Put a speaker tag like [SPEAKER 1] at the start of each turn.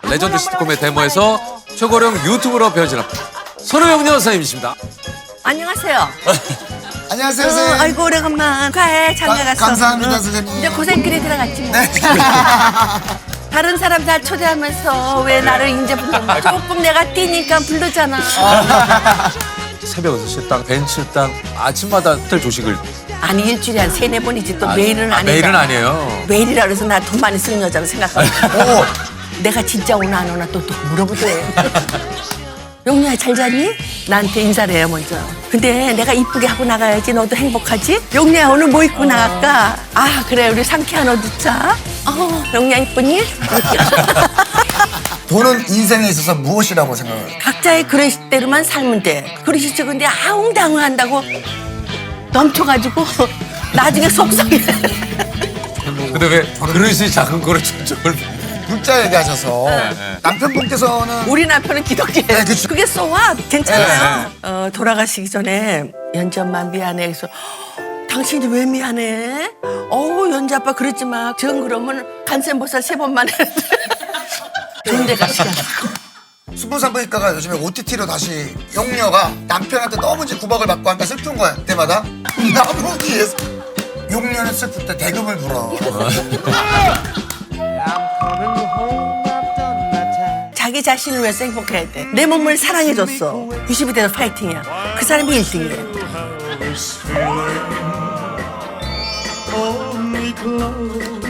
[SPEAKER 1] 레전드 시트콤의 데모에서 최고령 유튜브로 변신한 손호영 여사님이십니다.
[SPEAKER 2] 안녕하세요.
[SPEAKER 3] 안녕하세요, 선생님.
[SPEAKER 2] 아이고 오래간만. 축하해. 장가 갔어.
[SPEAKER 3] 감사합니다, 선생님.
[SPEAKER 2] 이제 고생길이 들어갔지 뭐.
[SPEAKER 3] 네.
[SPEAKER 2] 다른 사람 다 초대하면서 왜 나를 이제 부르냐. 조금 내가 뛰니까 부르잖아.
[SPEAKER 1] 새벽 6시 딱 벤츠 딱 아침마다 호텔 조식을.
[SPEAKER 2] 아니 일주일에 한 3-4번이지 또 매일은 아니다.
[SPEAKER 1] 매일은 아니에요.
[SPEAKER 2] 매일이라 그래서 나 돈 많이 쓰는 여자로 생각하고. 내가 진짜 오나 안 오나 또 물어보더래. 용녀야 잘 잤니? 나한테 인사를 해요 먼저. 근데 내가 이쁘게 하고 나가야지 너도 행복하지? 용녀야 오늘 뭐 입고 나갈까? 아 그래 우리 상쾌한 옷 입자. 용녀 이쁘니?
[SPEAKER 3] 돈은 인생에 있어서 무엇이라고 생각해요?
[SPEAKER 2] 각자의 그릇대로만 살면 돼. 그릇이 적은데 아웅다웅 한다고 넘쳐가지고 나중에 속상해.
[SPEAKER 1] 근데 왜 그릇이 작은 거를 저걸.
[SPEAKER 3] 물자 얘기하셔서 남편분께서는
[SPEAKER 2] 우리 남편은 기독교예요.
[SPEAKER 3] 네, 그쵸.
[SPEAKER 2] 그게 쏘아 괜찮아요. 돌아가시기 전에 연지 엄마 미안해. 그래서 당신이 왜 미안해? 연지 아빠 그러지 마. 전 그러면 간센보살 3번만 했는데 좋은 데 가시라.
[SPEAKER 3] 수분산부인과가 요즘에 OTT로 다시 용녀가 남편한테 너무 이제 구박을 받고 하니까 슬픈 거야 그때마다. 나보기 위해서 용녀는 슬플 때 대금을 불어.
[SPEAKER 2] 자기 자신을 위해서 행복해야 돼. 내 몸을 사랑해줬어. 90이 돼서 파이팅이야. 그 사람이 1등이래.